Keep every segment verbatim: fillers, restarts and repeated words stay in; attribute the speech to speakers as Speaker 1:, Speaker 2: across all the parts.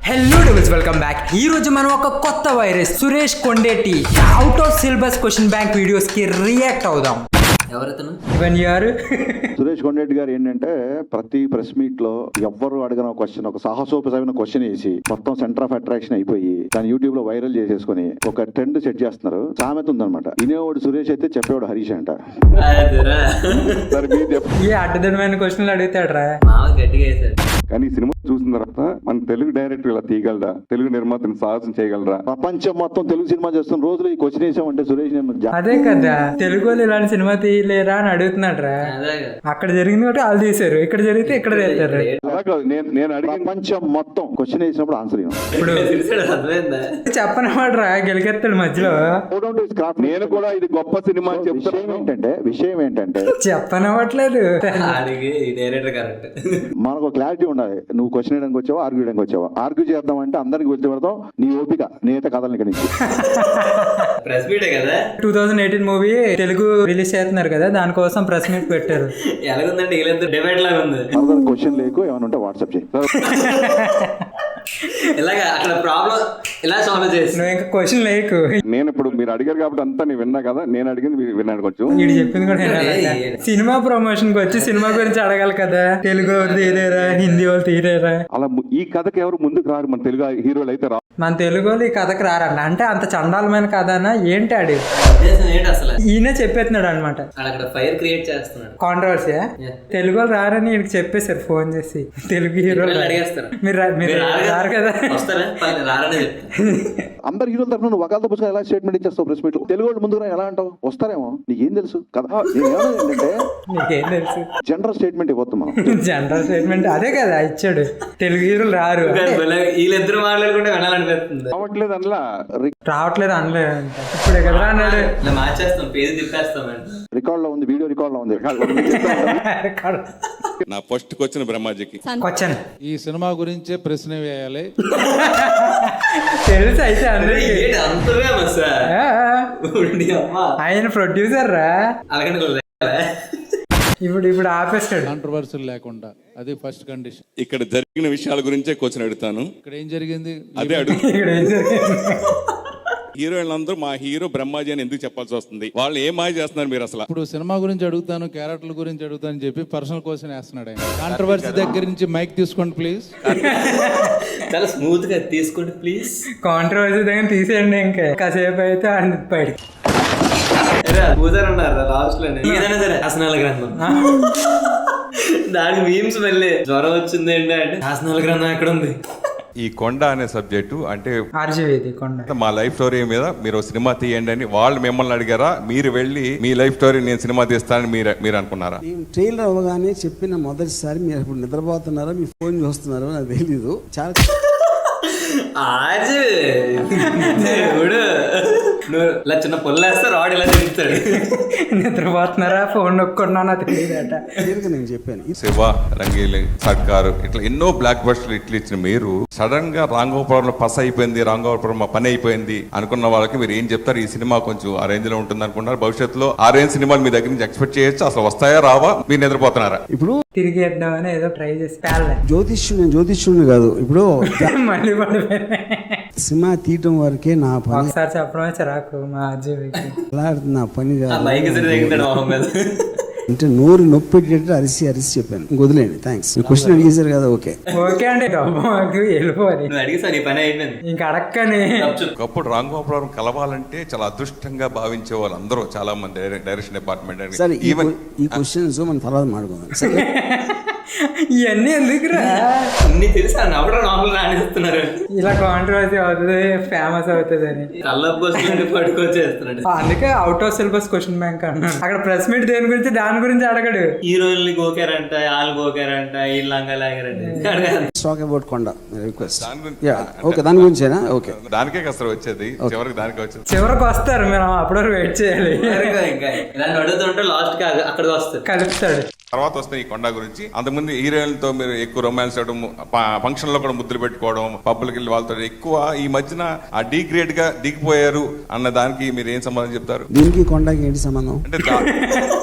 Speaker 1: Hello doubles welcome back. ఈ రోజు మనం ఒక కొత్త virus Suresh Kondeti out of syllabus question bank videos కి రియాక్ట్ అవుదాం.
Speaker 2: ఎవరైతేను
Speaker 1: ఇవన్ యారు
Speaker 3: సురేష్ కొండరెడ్డి గారు ఏంటంటే ప్రతి ప్రెస్ మీట్ లో ఎవ్వరు అడిగిన క్వశ్చన్ ఒక సాహసోపమైన క్వశ్చన్ వేసి మొత్తం సెంటర్ ఆఫ్ అట్రాక్షన్ అయిపోయి దాని యూట్యూబ్ లో వైరల్ చేసేసుకుని ఒక ట్రెండ్ సెట్ చేస్తున్నారు. సామెత ఉందన్నమాట, వినేవాడు సురేష్ అయితే చెప్పేవాడు హరీష్ అంట.
Speaker 1: ఏ అడ్డదనమైన క్వశ్చన్లు అడుగుతాడు రా.
Speaker 2: గట్టిగా వేసాడు.
Speaker 4: కానీ ఈ సినిమా చూసిన తర్వాత మన తెలుగు డైరెక్టర్ ఇలా తీయగలరా, తెలుగు నిర్మాతను సాహసం చేయగలరా?
Speaker 3: ప్రపంచం మొత్తం తెలుగు సినిమా చేస్తున్న రోజులు ఈ క్వశ్చన్ వేసామంటే సురేష్ నేను జా-
Speaker 1: అదే కదా, తెలుగు వాళ్ళు ఇలాంటి సినిమా తీయలేరా అని అడుగుతున్నాడు రా. అక్కడ జరిగింది కాబట్టి వాళ్ళు తీసారు, ఇక్కడ జరిగితే ఇక్కడ తీస్తారు.
Speaker 4: అలా కాదు, నేను నేను అడిగిన
Speaker 3: ప్రపంచం మొత్తం క్వశ్చన్ వేసినప్పుడు ఆన్సర్
Speaker 1: ఇప్పుడు
Speaker 2: అర్థమైందా?
Speaker 1: చెప్పనమాట రా, గెలికెత్తాడు మధ్యలో.
Speaker 4: నేను కూడా ఇది గొప్ప సినిమా అని
Speaker 3: విషయం
Speaker 4: చెప్తాను.
Speaker 3: ఏంటంటే విషయం ఏంటంటే
Speaker 1: చెప్పనవ్వట్లేదు.
Speaker 2: అడిగి డైరెక్టర్ కరెక్ట్.
Speaker 3: మనకు క్లారిటీ ఉండాలి. నువ్వు క్వశ్చన్ వేయడానికి వచ్చావా, ఆర్గ్యూ చేయడానికి వచ్చావా? ఆర్గ్యూ చేద్దాం అంటే అందరికి వచ్చి పెడతాం. నీ ఓపిక నేత కథలు ఇక్కడి నుంచి
Speaker 2: ప్రెస్ మీటే కదా.
Speaker 1: Two thousand eighteen movie Telugu release చేస్తున్నారు కదా, దానికోసం ప్రెస్ మీట్ పెట్టారు.
Speaker 2: ఎలాగుందంటే వీళ్ళంతా డిబేట్ లాగా ఉంది.
Speaker 3: క్వశ్చన్ లేకు ఏమైనా ఉంటే వాట్సాప్ చేయి.
Speaker 2: ఇలాగా అక్కడ ప్రాబ్లం ఇలా సాల్వ్ చేసి
Speaker 1: నువ్వు ఇంకా క్వశ్చన్ లేకు.
Speaker 4: నేను ఇప్పుడు మీరు అడిగారు కాబట్టి అంతా నేను విన్నా కదా, నేను అడిగింది మీరు విన్నాను కొంచెం.
Speaker 1: వీడు చెప్పింది కూడా వినాలి. సినిమా ప్రమోషన్ కి వచ్చి సినిమా గురించి అడగాలి కదా. తెలుగు వాళ్ళు తీరేరా, హిందీ వాళ్ళు తీరేరా.
Speaker 4: అలా ము- ఈ కథకి ఎవరు ముందుకు రారు, మన తెలుగు హీరోలు అయితే రా.
Speaker 1: మన తెలుగు వాళ్ళు ఈ కథకు రారన్న. అంటే అంత చండాలమైన కథనా ఏంటి ఆడి?
Speaker 2: ఉద్దేశం ఏంటి అసలు?
Speaker 1: ఈయన చెప్పేస్తున్నాడు అనమాట.
Speaker 2: అక్కడ ఫైర్ క్రియేట్ చేస్తున్నాడు.
Speaker 1: కాంట్రవర్సీ.
Speaker 2: Yeah.
Speaker 1: తెలుగు వాళ్ళు రారని వీడికి చెప్పేశారు ఫోన్ చేసి. తెలుగు హీరోలు
Speaker 2: ఇక్కడ అడిగేస్తారు.
Speaker 1: మీరు రా- మీరు
Speaker 2: మీరు రారు
Speaker 1: రారు కదా.
Speaker 2: వస్తారా? పర్లేదు, రారనే చెప్తాను.
Speaker 3: అందరు హీరోల తరఫున నువ్వు వకాలతో పుస్తకం ఎలా స్టేట్మెంట్ ఇచ్చేస్తావు ప్రెస్ మీట్ లో? తెలుగు వాళ్ళు ముందుకు రా ఎలా అంటావు? వస్తారేమో, నీకేం తెలుసు కదా. నేను ఏమన్నా ఏంటంటే
Speaker 1: నీకేం తెలుసు?
Speaker 3: జనరల్ స్టేట్మెంట్ ఇవ్వద్దు మనం.
Speaker 1: జనరల్ స్టేట్మెంట్ అదే కదా ఇచ్చాడు. తెలుగు హీరోలు రారు అంటే
Speaker 2: వీళ్ళిద్దరు మాట్లాడుకుంటే వినాలనిపిస్తుంది.
Speaker 4: రావట్లేదు అందులో.
Speaker 1: రావట్లేదు అనలేదు అంట. ఇప్పుడే కదా అన్నాడు.
Speaker 2: ఇలా మార్చేస్తాం, పేరు తిప్పేస్తాం అంటే.
Speaker 3: రికార్డ్ లో ఉంది, వీడియో రికార్డ్ లో ఉంది.
Speaker 5: నా ఫస్ట్ క్వశ్చన్ బ్రహ్మాజీకి.
Speaker 1: క్వశ్చన్
Speaker 6: ఈ సినిమా గురించే ప్రశ్న వేయాలి.
Speaker 1: తెలుసు అయితే అందరికీ.
Speaker 2: ఏంటి అంతగా మసా?
Speaker 1: ఆ,
Speaker 2: ఉండి అమ్మా.
Speaker 1: ఆయన ప్రొడ్యూసర్ రా.
Speaker 2: అలాగని కూడా
Speaker 1: ఇప్పుడు ఇప్పుడు ఆపేస్తాడు.
Speaker 6: కాంట్రవర్సీలు లేకుండా, అది ఫస్ట్ కండిషన్.
Speaker 5: ఇక్కడ జరిగిన విషయాల గురించే క్వశ్చన్ అడుగుతాను.
Speaker 6: ఇక్కడ ఏం జరిగింది?
Speaker 5: అదే అడుగు.
Speaker 1: ఇక్కడ ఏం జరిగింది?
Speaker 5: హీరోయిన్లందరూ మా హీరో బ్రహ్మాజీ అని ఎందుకు చెప్పాల్సి వస్తుంది? వాళ్ళు ఏం మాయ చేస్తున్నారు మీరు అసలు?
Speaker 6: ఇప్పుడు సినిమా గురించి అడుగుతాను, క్యారెక్టర్ల గురించి అడుగుతాను అని చెప్పి పర్సనల్ క్వశ్చన్ వేస్తున్నాడు ఆయన. కాంట్రవర్సీ దగ్గర నుంచి మైక్ తీసుకోండి ప్లీజ్.
Speaker 2: చాలా స్మూత్ గా తీసుకోండి ప్లీజ్.
Speaker 1: కాంట్రవర్సీ దగ్గర తీసేయండి. ఇంకా కాసేపు అయితే అంది బయట.
Speaker 2: పూజారు ఉన్నారు లాస్ట్ లో. ఏదైనా సరే శాసనాల గ్రంథం, దాని మీమ్స్ మళ్ళీ జ్వరం వచ్చింది ఏంటి అంటే శాసనాల గ్రంథం ఎక్కడ ఉంది?
Speaker 5: ఈ కొండ అనే సబ్జెక్టు అంటే
Speaker 1: ఆర్జీవీది కొండ.
Speaker 5: మా లైఫ్ స్టోరీ మీద మీరు ఓ సినిమా తీయండి అని వాళ్ళు మిమ్మల్ని అడిగారా? మీరు వెళ్ళి మీ లైఫ్ స్టోరీ నేను సినిమా తీస్తానని మీరు మీరు అనుకున్నారా?
Speaker 7: నేను ట్రైలర్ అవ్వగానే చెప్పిన మొదటిసారి మీరు ఇప్పుడు నిద్రపోతున్నారో మీ ఫోన్ చూస్తున్నారో నాకు తెలీదు. చాలా
Speaker 2: ఆజ్ దేవుడు, నువ్వు ఇలా చిన్న పొల్లేస్తే రాడ్ ఇలా తిరుగుతాడు.
Speaker 1: నిద్రపోతున్నారా, ఫోన్ నొక్కున్నానా తెలియదట.
Speaker 7: క్లియర్గా నేను చెప్పాను. ఈ
Speaker 5: శివ, రంగీలి, సర్కారు ఇట్లా ఎన్నో బ్లాక్ బస్టర్లు ఇట్లు ఇచ్చిన మీరు సడన్ గా రాంగోపురంలో పస అయిపోయింది, రాంగోపురం పని అయిపోయింది అనుకున్న వాళ్ళకి మీరు ఏం చెప్తారు? ఈ సినిమా కొంచెం ఆ రేంజ్ లో ఉంటుంది అనుకుంటున్నారు. భవిష్యత్తులో ఆ రేంజ్ సినిమాలు మీ దగ్గర నుంచి ఎక్స్పెక్ట్ చేయొచ్చు? అసలు వస్తాయా రావా? మీరు నిద్రపోతున్నారా?
Speaker 7: ఇప్పుడు
Speaker 1: తిరిగి వేద్దామని ఏదో ట్రై చేసి పేర్లే.
Speaker 7: జ్యోతిష్యుడు నేను జ్యోతిష్యుడిని కాదు. ఇప్పుడు
Speaker 1: మళ్ళీ పడిపోయినాయి.
Speaker 7: సినిమా తీయటం వరకే నా పని.
Speaker 1: ఒకసారి చెప్పడమే చిరాకు మా ఆర్జీవీకి.
Speaker 7: అలా నా పని కాదు.
Speaker 2: బైక్ దిగుతాడు మొహం మీద.
Speaker 7: అంటే నోరు నొప్పి పెట్టేటట్టు అరిసి అరిసి చెప్పాను. వదిలేండి, థ్యాంక్స్. క్వశ్చన్ అడిగేశారు కదా, ఓకే
Speaker 1: ఓకే అంటే డబ్బు మాకు వెళ్ళిపోవాలి.
Speaker 2: నువ్వు అడిగేసా, నీ పని అయిపోయింది.
Speaker 1: ఇంక అడక్కని
Speaker 5: ఒకప్పుడు రాంగోపురం కలవాలంటే చాలా అదృష్టంగా భావించే వాళ్ళు అందరూ చాలా మంది డైరెక్షన్ డిపార్ట్మెంట్
Speaker 7: సరే. ఈ
Speaker 5: ఈవెన్
Speaker 7: ఈ క్వశ్చన్స్ మనం తర్వాత మాట్లాడుకుందాం. సరే,
Speaker 1: ఇవన్నీ ఎందుకురా?
Speaker 2: అన్ని తెలుసా? నవ్వడం నార్మల్ రాణిస్తున్నారు.
Speaker 1: ఇలా కాంట్రవర్సీ అవుతుంది, ఫేమస్ అవుతుంది అని
Speaker 2: కళ్ళపు కోసం పట్టుకొచ్చేస్తున్నాడు.
Speaker 1: అందుకే out of syllabus question bank అన్నాడు. అక్కడ ప్రెస్ మీట్ దేని గురించి దాని గురించి అడగడు.
Speaker 2: హీరోయిన్లు గోకారంట, వాళ్ళు గోకారంట, వీళ్ళు లంగా లాగారంట.
Speaker 7: Stock about Konda request.
Speaker 5: దాని గురించి
Speaker 7: ఓకే, దాని గురించేనా? ఓకే,
Speaker 5: దానికే కసరు వచ్చేది, చివరికి దానికే వచ్చేది.
Speaker 1: చివరికి వస్తారు, మేము అప్పటి వరకు వెయిట్ చేయాలి.
Speaker 2: ఇంకా ఇలాంటి అడుగుతుంటే లాస్ట్ కి అక్కడికి వస్తుంది,
Speaker 1: కలుపుతాడు.
Speaker 5: తర్వాత వస్తే ఈ కొండ గురించి అంతకుముందు హీరోయిన్లతో మీరు ఎక్కువ రొమాన్స్ చేయడం, ఫంక్షన్ లో కూడా ముద్దులు పెట్టుకోవడం, పబ్బులకి వెళ్ళి వాళ్ళతో ఎక్కువ ఈ మధ్యన ఆ డిగ్రేడ్ గా దిగిపోయారు అన్న దానికి మీరు ఏం సమాధానం చెప్తారు?
Speaker 7: దీనికి కొండకి ఏంటి సంబంధం?
Speaker 5: అంటే దా-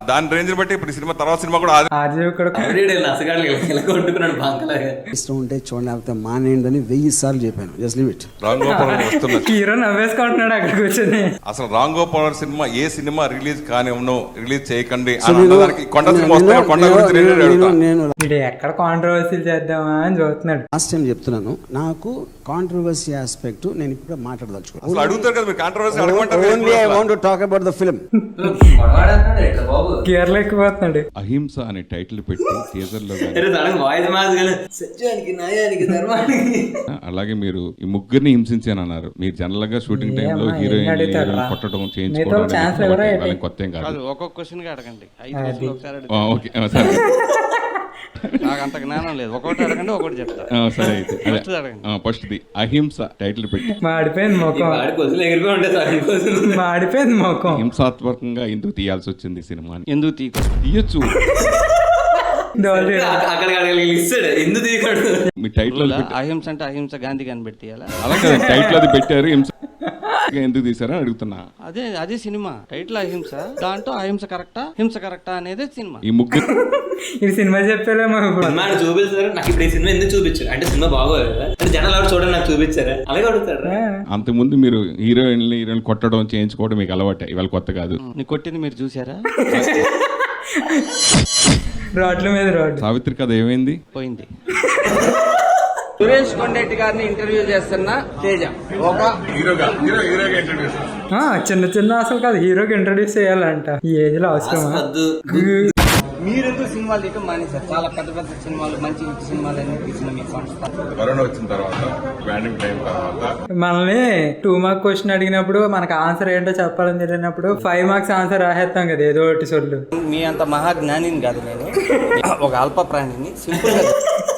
Speaker 5: దాని రేంజ్ బట్టి ఇప్పుడు ఈ సినిమా తర్వాత సినిమా కూడా అది
Speaker 1: ఆర్జీ కూడా
Speaker 2: నసగాడు ఇలా కొట్టుకున్నాడు బాంకలాగా.
Speaker 7: ఇష్టం ఉంటే చూడండి, లేకపోతే మానేయండి అని వెయ్యి సార్లు చెప్పాను. Just leave it.
Speaker 5: Ram Gopal వస్తున్నది.
Speaker 1: హీరో నవ్వేసుకుంటున్నాడు అక్కడ కూర్చొని.
Speaker 5: అసలు రామ్ గోపాల్ సినిమా ఏ సినిమా రిలీజ్ కానీ రిలీజ్ చేయకండి
Speaker 7: సో
Speaker 5: అని
Speaker 7: నేను-
Speaker 5: అన్నదానికి కొండ సినిమా వస్తే
Speaker 7: నేను-
Speaker 5: కొండ గురించి
Speaker 7: నేను-
Speaker 5: నేను
Speaker 7: నేను-
Speaker 5: అడుగుతా.
Speaker 7: నేను
Speaker 1: వీడు ఎక్కడ కాంట్రవర్సీలు చేద్దామా అని చూస్తున్నాడు.
Speaker 7: లాస్ట్ టైం చెప్తున్నాను, నాకు కాంట్రవర్సీ ఆస్పెక్ట్ నేను ఇప్పుడు
Speaker 5: అసలు
Speaker 7: మాట్లాడదలుచుకున్నాను.
Speaker 5: అడుగుతారు కదా మీరు కాంట్రవర్సీ అడగమంటారు
Speaker 7: only I want to talk about the film.
Speaker 2: గొడవాడన్నాడు ఎట్లా బాబు.
Speaker 1: గేర్లు ఎక్కిపోతున్నాడు.
Speaker 8: అహింస అనే టైటిల్ పెట్టి టీజర్ లో గానీ,
Speaker 2: అరే తనకు వాయిస్ మాది కానీ సత్యానికి న్యాయానికి ధర్మానికి.
Speaker 8: అలాగే మీరు ఈ ముగ్గురిని హింసించాను అన్నారు. మీరు జనరల్ గా షూటింగ్ టైమ్ లో
Speaker 1: ఏమ్మా, ఏం
Speaker 8: హీరోయిన్
Speaker 1: అడుగుతారు రా?
Speaker 8: కొట్టడం
Speaker 1: మీతో
Speaker 8: చేయించుకోవడం
Speaker 1: ఛాన్స్
Speaker 8: అనేది
Speaker 1: ఎవరా
Speaker 8: వాళ్ళకి-
Speaker 1: ఏంటి?
Speaker 8: వాళ్ళకి కొత్త ఏం కాదు.
Speaker 9: ఒక్కొక్క క్వశ్చన్ గా అడగండి. ఐదు
Speaker 1: అది.
Speaker 9: క్వశ్చన్లు ఒకసారి
Speaker 8: ఆ,
Speaker 9: అడగండి.
Speaker 8: ఓకే ఆ, సరే
Speaker 9: నాకు అంత జ్ఞానం లేదు. ఒకటి అడగండి, ఒకటి చెప్తా.
Speaker 8: ఆ, సరే అయితే
Speaker 9: First అడగండి.
Speaker 8: ఫస్ట్ ది అహింస టైటిల్ పెట్టి
Speaker 1: మాడిపోయింది
Speaker 2: ఈ
Speaker 1: ముఖం.
Speaker 2: వాడి కొద్దిలు ఎగిరిపోయి ఉంటాయి సార్ కోసం.
Speaker 1: మాడిపోయింది ముఖం.
Speaker 8: హింసాత్మకంగా ఎందుకు తీయాల్సి వచ్చింది ఈ సినిమాని?
Speaker 9: ఎందుకు తీకు
Speaker 8: తీయచ్చు.
Speaker 1: డోల్
Speaker 2: అక్కడ అక్కడ ఇస్తాడు ఎందుకు తీయకూడదు.
Speaker 8: మీ టైటిల్ అది పెట్టి
Speaker 9: అహింస అంటే అహింస గాంధీ కనిపెట్టి తీయాలా?
Speaker 8: అలా కదా టైటిల్ అది పెట్టారు. హింస ఎందుకు తీసారని అడుగుతున్నా.
Speaker 9: అదే అదే సినిమా టైటిల్ అహింస. దాంట్లో అహింస కరెక్టా హింస కరెక్టా అనేది సినిమా.
Speaker 8: ఈ ముగ్గురు
Speaker 1: ఇది సినిమా చెప్పేలేమో.
Speaker 2: సినిమా ఆయన చూపిస్తారు. నాకు ఇప్పుడు ఈ సినిమా ఎందుకు చూపించారు అంటే సినిమా బాగోదు కదా అంటే జనాలు ఎవరు చూడండి నాకు చూపించారా అలాగే అడుగుతారా.
Speaker 8: అంతకుముందు మీరు హీరోయిన్ హీరోయిన్ కొట్టడం చేయించుకోవడం మీకు అలవాటే, ఇవాళ కొత్త కాదు.
Speaker 9: నీ కొట్టింది మీరు చూసారా?
Speaker 1: రోడ్ల మీద రోడ్డు.
Speaker 8: సావిత్రి కథ ఏమైంది?
Speaker 9: పోయింది. సురేష్ కొండెట్టి గారిని ఇంటర్వ్యూ చేస్తున్న తేజ ఒక
Speaker 1: ఆ, చిన్న చిన్న అసలు కాదు, హీరోకి ఇంట్రడ్యూస్ చేయాలంట. ఈ ఏజ్ లో అవసరమా?
Speaker 2: వద్దు.
Speaker 9: మీరెందుకు సినిమాలు తీయటం మానేశారు? చాలా పెద్ద పెద్ద సినిమాలు మంచి హిట్ సినిమాలు అన్ని తీసిన మీ సంస్థ.
Speaker 5: కరోనా వచ్చిన తర్వాత బ్యాండింగ్ టైం తర్వాత
Speaker 1: మనల్ని టూ మార్క్ క్వశ్చన్ అడిగినప్పుడు మనకు ఆన్సర్ ఏంటో చెప్పాలని తెలియనప్పుడు ఫైవ్ మార్క్స్ ఆన్సర్ రాసేస్తాం కదా ఏదో ఒకటి సొల్లు.
Speaker 9: మీ అంత మహాజ్ఞానిని కాదు నేను, ఒక అల్ప ప్రాణిని. సింపుల్ గా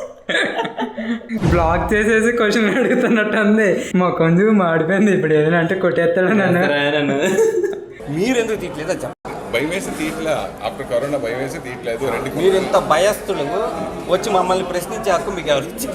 Speaker 1: బ్లాక్ చేసేసి క్వశ్చన్ అడుగుతున్నట్టు ఉంది. మొఖం చూ మాడిపోయింది. ఇప్పుడు ఏదైనా అంటే కొట్టేస్తాడు నన్ను.
Speaker 2: నన్ను
Speaker 9: మీరెందుకు తీయట్లేదా చెప్పండి.
Speaker 5: భయం వేసి తీయట్లే. ఆఫ్టర్ కరోనా భయం వేసి తీయట్లేదు. రెండు
Speaker 9: మీరు ఇంత భయస్థులు వచ్చి మమ్మల్ని ప్రశ్నించే హక్కు మీకు ఎవరు ఇచ్చారు?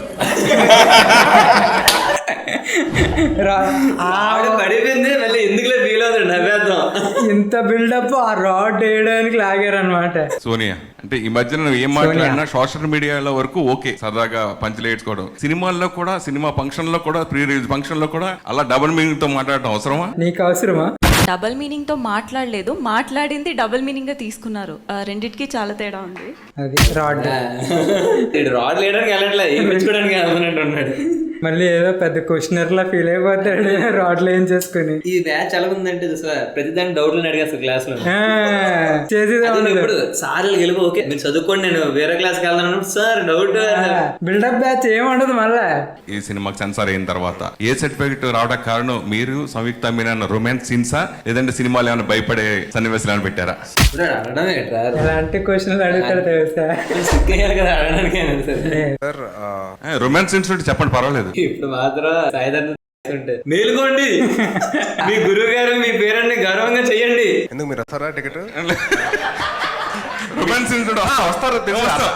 Speaker 1: రా- ఆ
Speaker 2: ఆవిడ పడిపోయింది మళ్ళీ ఎందుకులే ఫీల్ అవుతాడు నవ్వేద్దాం.
Speaker 1: ఇంత బిల్డప్ ఆ రాడ్ వేయడానికి లాగారు అనమాట.
Speaker 5: సోనియా అంటే ఈ మధ్యన నువ్వు ఏం మాట్లాడినా సోషల్ మీడియాలో వరకు ఓకే సరదాగా పంచులు వేసుకోవడం, సినిమాల్లో కూడా సినిమా ఫంక్షన్ లో కూడా ప్రీ రిలీజ్ ఫంక్షన్ లో కూడా అలా డబుల్ మీనింగ్ తో మాట్లాడటం అవసరమా?
Speaker 1: నీకు అవసరమా?
Speaker 10: డబల్ మీనింగ్ తో మాట్లాడలేదు, మాట్లాడింది డబల్ మీనింగ్ గా తీసుకున్నారు. ఆ, రెండిటికి చాలా తేడా ఉంది.
Speaker 1: అది రాడ్.
Speaker 2: ఇటు రాడ్ లేయడానికి వెళ్ళట్లే ఏం పెంచుకోవడానికి వెళ్తున్నట్టు ఉన్నాడు.
Speaker 1: మళ్ళీ ఏదో పెద్ద క్వశ్చనర్ లా ఫీల్ అయిపోతాడు రాడ్లు ఏం చేసుకుని.
Speaker 2: ఈ బ్యాచ్ ఎలా ఉందంటే చూసా ప్రతి దానికి డౌట్లు అడిగేస్తారు క్లాస్ లో.
Speaker 1: ఆ, చేసేది
Speaker 2: అది
Speaker 1: ఉండదు.
Speaker 2: ఇప్పుడు సార్లు గెలుపు ఓకే మీరు చదువుకోండి నేను వేరే క్లాస్ కి వెళ్తాను సార్ డౌట్.
Speaker 1: బిల్డప్ బ్యాచ్ ఏం ఉండదు మళ్ళా.
Speaker 5: ఈ సినిమాకి సెన్సార్ అయిన తర్వాత ఏ సర్టిఫికెట్ రావడానికి కారణం మీరు సంయుక్త మీనన్ రొమాన్స్ సీన్సా లేదంటే సినిమాలు ఏమైనా భయపడే సన్నివేశాలు పెట్టారా?
Speaker 2: అడగడం ఏంట్రా
Speaker 1: ఎలాంటి క్వశ్చన్లు అడుగుతాడు తెలుసా?
Speaker 2: సిక్ అయ్యారు కదా అడగడానికి అయినా సరే.
Speaker 5: రొమాన్స్ సీన్స్ చెప్పండి పర్వాలేదు.
Speaker 2: ఇప్పుడు మాత్రం సాయిధర్మ ఉంటే మేలుకోండి మీ గురువు గారు మీ పేరెంట్ని గౌరవంగా చెయ్యండి.
Speaker 11: ఎందుకు మీరు వస్తారా టికెట్?
Speaker 5: రొమాన్స్ సీన్స్ వస్తారు తెలుసు.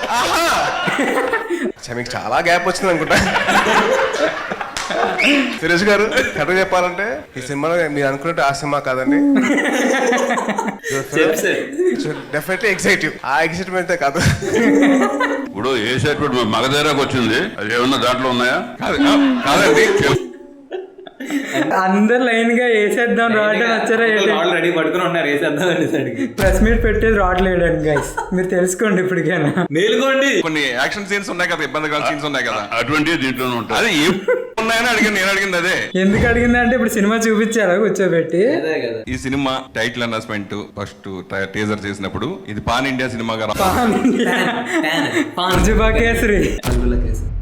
Speaker 11: మీకు చాలా గ్యాప్ వచ్చింది అనుకుంటా. సురేష్ గారు కరెక్ట్ చెప్పాలంటే ఈ సినిమాలో మీరు అనుకున్నట్టు ఆ సినిమా కాదండి. Definitely exciting. ఆ ఎక్సైట్మెంట్ కాదు.
Speaker 8: ఇప్పుడు ఏ సర్టిఫికెట్ మగధీరాకు వచ్చింది, అది ఏమన్నా దాంట్లో ఉన్నాయా?
Speaker 5: కాదండి
Speaker 1: అందరు లైన్ గా వేసేద్దాం రాడ్ అని వచ్చారా?
Speaker 2: ఆల్రెడీ పట్టుకుని ఉన్నారు వేసేద్దాం అనేసరికి
Speaker 1: ప్రెస్ మీట్ పెట్టేది రాడ్ లేయడానికి గైస్, మీరు తెలుసుకోండి ఇప్పటికైనా.
Speaker 2: మేలుకోండి.
Speaker 5: కొన్ని యాక్షన్ సీన్స్ ఉన్నాయి కదా, ఇబ్బందికర సీన్స్ ఉన్నాయి కదా,
Speaker 8: అటువంటి దీంట్లోనే ఉంటాయి.
Speaker 5: అది ఏం ఉన్నాయని అడిగింది నేను అడిగింది అదే.
Speaker 1: ఎందుకు అడిగిందంటే ఇప్పుడు సినిమా చూపించారా కూర్చోబెట్టి.
Speaker 2: అదే కదా
Speaker 5: ఈ cinema title announcement first teaser చేసినప్పుడు ఇది పాన్ ఇండియా సినిమాగా రా-
Speaker 1: పాన్ ఇండియా.
Speaker 2: పాన్.
Speaker 1: పాన్ జుబా కేసరి.
Speaker 2: పరుగుల కేసు.